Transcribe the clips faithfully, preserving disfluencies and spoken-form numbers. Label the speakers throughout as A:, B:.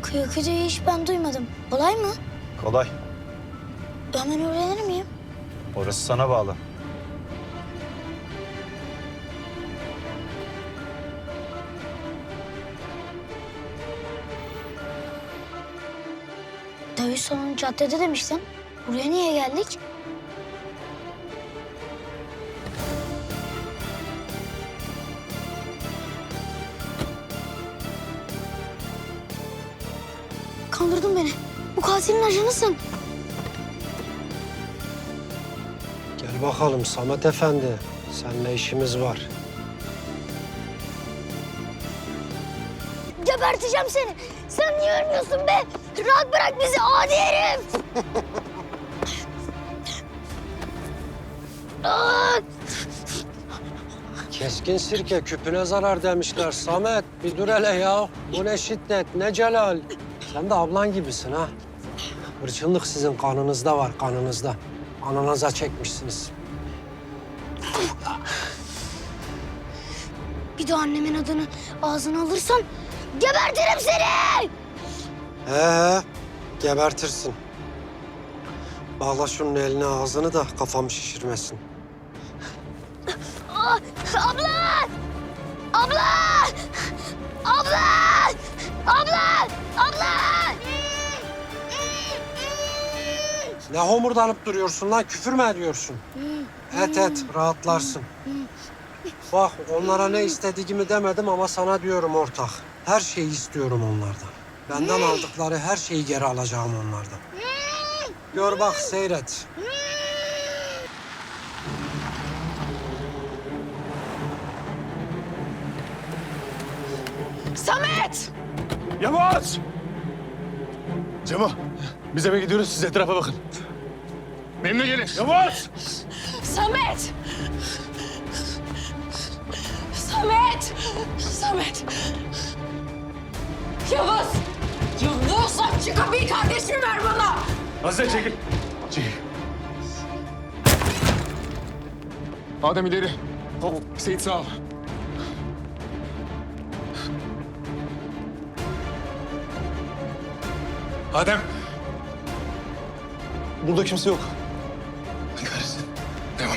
A: Kıyıkıcıyı hiç ben duymadım. Kolay mı?
B: Kolay.
A: Hemen öğrenir miyim?
B: Orası sana bağlı.
A: Dövüş salonu caddede demiştin. Buraya niye geldik? Kandırdın beni. Bu katilin ajanısın.
C: Gel bakalım Samet Efendi. Seninle işimiz var.
A: Geberteceğim seni. Sen niye ölmüyorsun be? Rahat bırak bizi adi herif. Aa!
C: Keskin sirke küpüne zarar demişler. Samet bir dur hele ya. Bu ne şiddet, ne celal. Sen de ablan gibisin ha. Hırçınlık sizin kanınızda var, kanınızda. Ananıza çekmişsiniz.
A: Bir de annemin adını ağzına alırsan gebertirim seni.
C: He he, gebertirsin. Bağla şunun elini ağzını da kafamı şişirmesin.
A: Aa, abla! Abla! Abla! Abla! Abla!
C: Ne homurdanıp duruyorsun lan? Küfür mü ediyorsun? Et et, rahatlarsın. Bak onlara ne istediğimi demedim ama sana diyorum ortak. Her şeyi istiyorum onlardan. Benden aldıkları her şeyi geri alacağım onlardan. Gör bak, seyret.
A: Samet!
D: Yavaş! Cemo, biz eve gidiyoruz. Siz etrafa bakın. Benimle gelin. Yavaş!
E: Samet! Samet! Samet! Yavuz! Yavuz aç şu kapıyı, kardeşimi ver bana!
D: Azize çekil. Çekil. Adem ileri. Hop, Seyit sağ ol. Adem. Burada kimse yok. Kahretsin. Devam.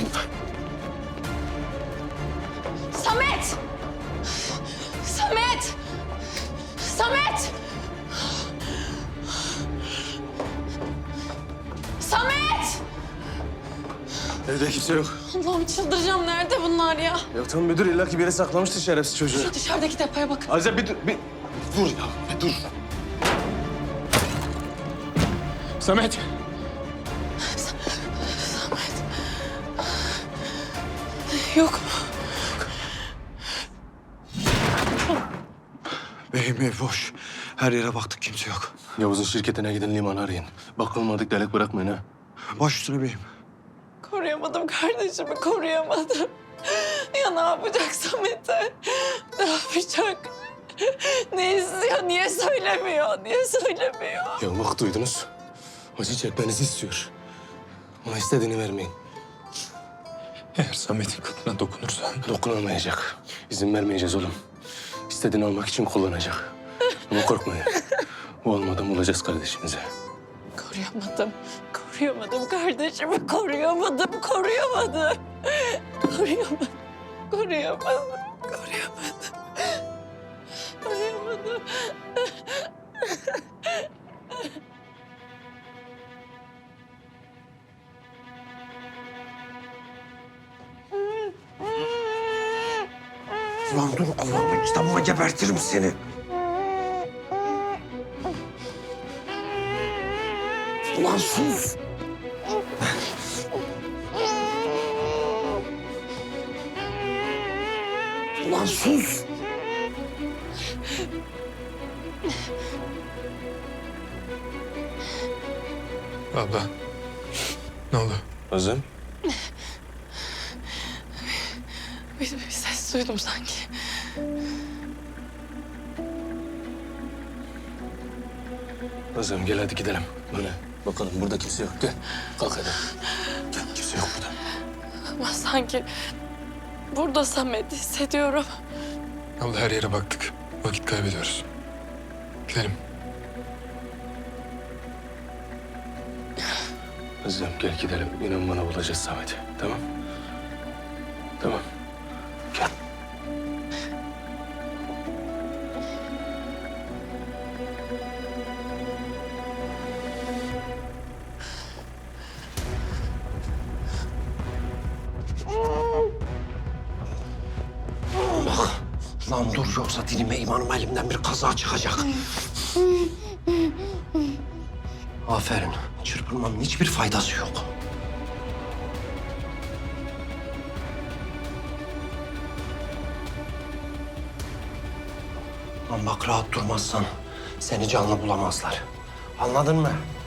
E: Samet! Samet! Samet! Samet!
D: Evde kimse yok.
E: Allah'ım çıldıracağım. Nerede bunlar ya?
D: Ya tamam müdür illa ki bir yere saklamıştır şerefsiz çocuğu.
E: Şu dışarıdaki depoya bak.
D: Azize bir dur, bir dur ya, bir dur. Samet.
E: Samet. Yok mu?
D: Beyim ev boş. Her yere baktık kimse yok. Yavuz'un şirketine gidin limanı arayın. Bakılmadık delik bırakmayın ha. Baş üstüne beyim.
E: Koruyamadım kardeşimi, koruyamadım. Ya ne yapacak Samet'e? Ne yapacak? Ne istiyor, niye söylemiyor, niye söylemiyor?
D: Ya bak duydunuz. Acı çekmenizi istiyor. Ona istediğini vermeyin.
F: Eğer Samet'in kadına dokunursan...
D: Dokunamayacak. İzin vermeyeceğiz oğlum. İstediğini almak için kullanacak. Ama korkmayın. Bu olmadan bulacağız kardeşimizi.
E: Koruyamadım, koruyamadım kardeşimi, koruyamadım, koruyamadım. Koruyamadım, koruyamadım, koruyamadım. Koruyamadım.
C: Ulan dur Allah'ım kitabıma gebertirim seni. Ulan sus. Ulan sus.
F: Abla, ne oldu?
D: Azem.
E: Bir, bir ses duydum sanki.
D: Azem gel hadi gidelim. Böyle bakalım burada kimse yok. Gel kalk hadi. Gel kimse yok burada.
E: Ama sanki burada Samet hissediyorum.
F: Abla her yere baktık. Vakit kaybediyoruz. Gidelim.
D: Kızım gel gidelim. İnan bana bulacağız Samet'i. Tamam. Tamam. Gel.
C: Bak. Lan dur yoksa dilime imanım elimden bir kaza çıkacak. Aferin. Çırpınmanın hiçbir faydası yok. Lan bak rahat durmazsan seni canlı bulamazlar. Anladın mı?